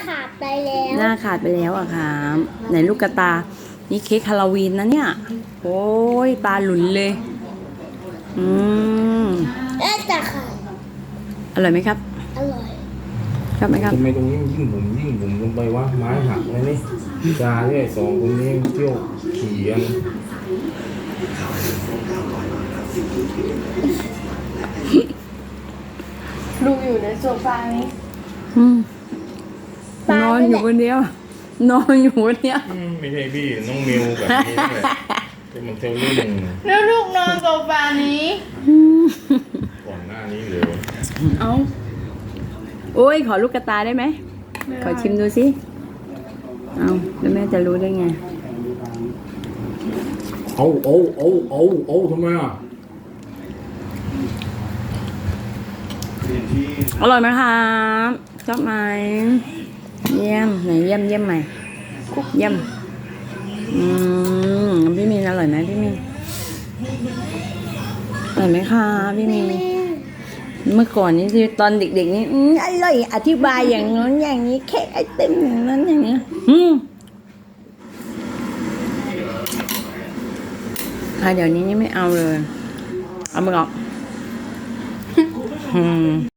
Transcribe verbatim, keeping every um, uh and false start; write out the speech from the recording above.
ขาดไปแล้วหน้าขาดไปแล้วอะค่ะไหนลูกกระตานี่เค้กฮาโลวีนนะเนี่ยโอ้ยตาหลุนเลยอืมเอ๊ะแต่ขาดอร่อยไหมครับอร่อยชอบไหมครับทำไมตรงนี้มันยิ่งบุ๋มยิ่งบุ๋มลงไปวะไม้หักเลยนี่จาเนี่ยสองคนนี้เที่ยวขี่กันลูกอยู่ในโซฟานี้อืมนอนอยู่คนเดียว นอนอยู่คนเดียวอืมไม่ใช่พี่น้องมิวแบบนี้แหละที่มันเที่ยวเล่นแล้วลูกนอนโซฟานี้ก่อนหน้านี้เลยเอาโอ้ยขอลูกกระตาได้ไหมขอชิมดูสิเอาแล้วแม่จะรู้ได้ไงเอาเอาเอาเอาเอาทำไมอ่ะอร่อยไหมครับชอบไหมเยี่ยมไหนเยี่ยมเยี่ยมใหม่เยี่ยมอืมพี่มีนอร่อยไหมพี่มีนอร่อยไหมคะพี่มีนเมื่อก่อนนี่ที่ตอนเด็กๆนี่อืมอร่อยอธิบายอย่างนั้นอย่างนี้เค้กไอติมอย่างนั้นอย่างนี้อืมอ่ะเดี๋ยวนี้นี่ไม่เอาเลยเอามือออกอืม